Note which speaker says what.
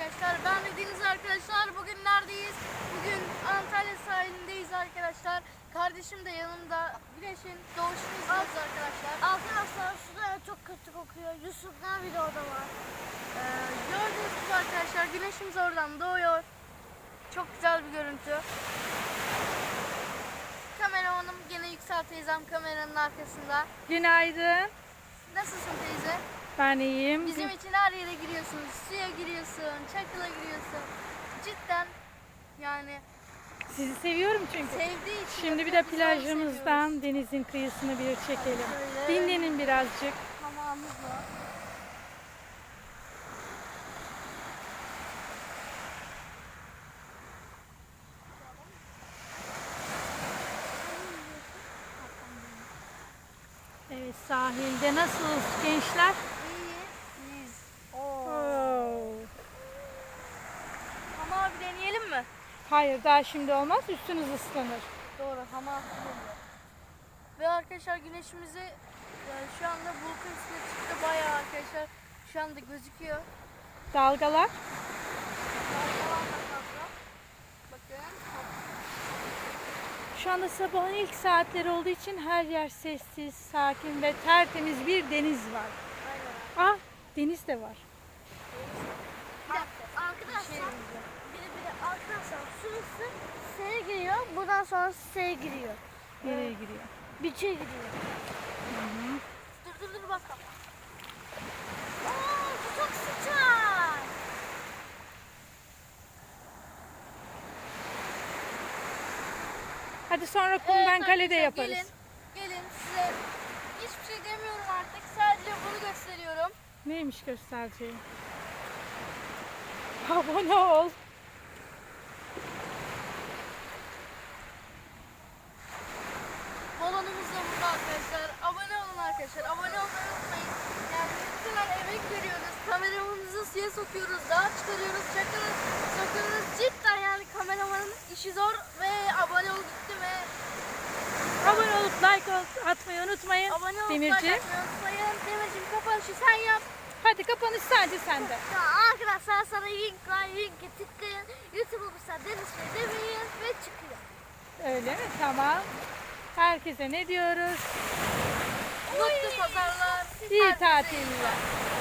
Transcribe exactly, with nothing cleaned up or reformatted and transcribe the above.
Speaker 1: arkadaşlar. Ben ve Deniz arkadaşlar. Bugün neredeyiz? Bugün Antalya sahilindeyiz arkadaşlar. Kardeşim de yanımda. Güneşin doğuşunu izliyoruz arkadaşlar.
Speaker 2: Arkadaşlar suda çok kötü kokuyor. Yusuf'lar bile orada var.
Speaker 1: Ee, gördüğünüz gibi arkadaşlar güneşimiz oradan doğuyor. Çok güzel bir görüntü. Kameramanım gene Yüksel teyzem kameranın arkasında.
Speaker 3: Günaydın.
Speaker 1: Nasılsın teyze?
Speaker 3: Ben iyiyim.
Speaker 1: Bizim için her yere giriyorsun. Suya giriyorsun, çakıla giriyorsun. Cidden yani
Speaker 3: Sizi seviyorum çünkü.
Speaker 1: sevdiği için.
Speaker 3: Şimdi bir de
Speaker 1: hepimiz onu
Speaker 3: plajımızdan
Speaker 1: seviyoruz.
Speaker 3: denizin kıyısını bir çekelim.
Speaker 1: Şöyle.
Speaker 3: Dinlenin birazcık.
Speaker 1: Hamamımız var.
Speaker 3: Evet, sahilde nasılsınız gençler?
Speaker 1: İyiyiz. Oo.
Speaker 3: Oo.
Speaker 1: Hamam abi deneyelim mi?
Speaker 3: Hayır, daha şimdi olmaz. Üstünüz ıslanır.
Speaker 1: Doğru, hamam geliyor. Ve arkadaşlar güneşimizi yani şu anda bulutun üstüne çıktı bayağı arkadaşlar. Şu anda gözüküyor.
Speaker 3: Dalgalar.
Speaker 1: Dalgalar da fazla. Bakın.
Speaker 3: Şu anda sabahın ilk saatleri olduğu için her yer sessiz, sakin ve tertemiz bir deniz var.
Speaker 1: Aynen.
Speaker 3: Ah, deniz de var.
Speaker 2: Bir de arkadaşlar, bir de, bir de arkadaşlar şurası S'ye giriyor. Buradan sonra S'ye giriyor.
Speaker 3: Nereye giriyor?
Speaker 2: Bütçe giriyor.
Speaker 1: Dur dur dur bak.
Speaker 2: Oo, bu çok sıcak.
Speaker 3: Hadi sonra kumdan kalede
Speaker 1: arkadaşlar,
Speaker 3: yaparız.
Speaker 1: Gelin, gelin size hiçbir şey demiyorum artık. Sadece bunu gösteriyorum.
Speaker 3: Neymiş göstereceğim? Abone ol.
Speaker 1: Balonumuz da burada arkadaşlar. Abone olun arkadaşlar. Abone olmayı unutmayın. Yani lütfen emek veriyoruz. Kameramanımızı suya sokuyoruz. Dağa çıkarıyoruz. Çakırız. Sokuyoruz. Cidden yani kameramanın işi zor. Ve abone ol gitti ve
Speaker 3: Abone olup like atmayı unutmayın.
Speaker 1: abone olup
Speaker 3: Demirciğim.
Speaker 1: like atmayı unutmayın. Demirciğim kapanışı sen yap.
Speaker 3: Hadi kapanış sadece sende.
Speaker 2: Ya arkadaşlar sana link var. Linke tıklayın. YouTube olursa Deniz Bey demeyin ve çıkıyor.
Speaker 3: Öyle mi? Tamam. Herkese ne diyoruz?
Speaker 1: Mutlu pazarlar.
Speaker 3: İyi
Speaker 1: Herkese iyi
Speaker 3: tatiller.
Speaker 1: pazarlar.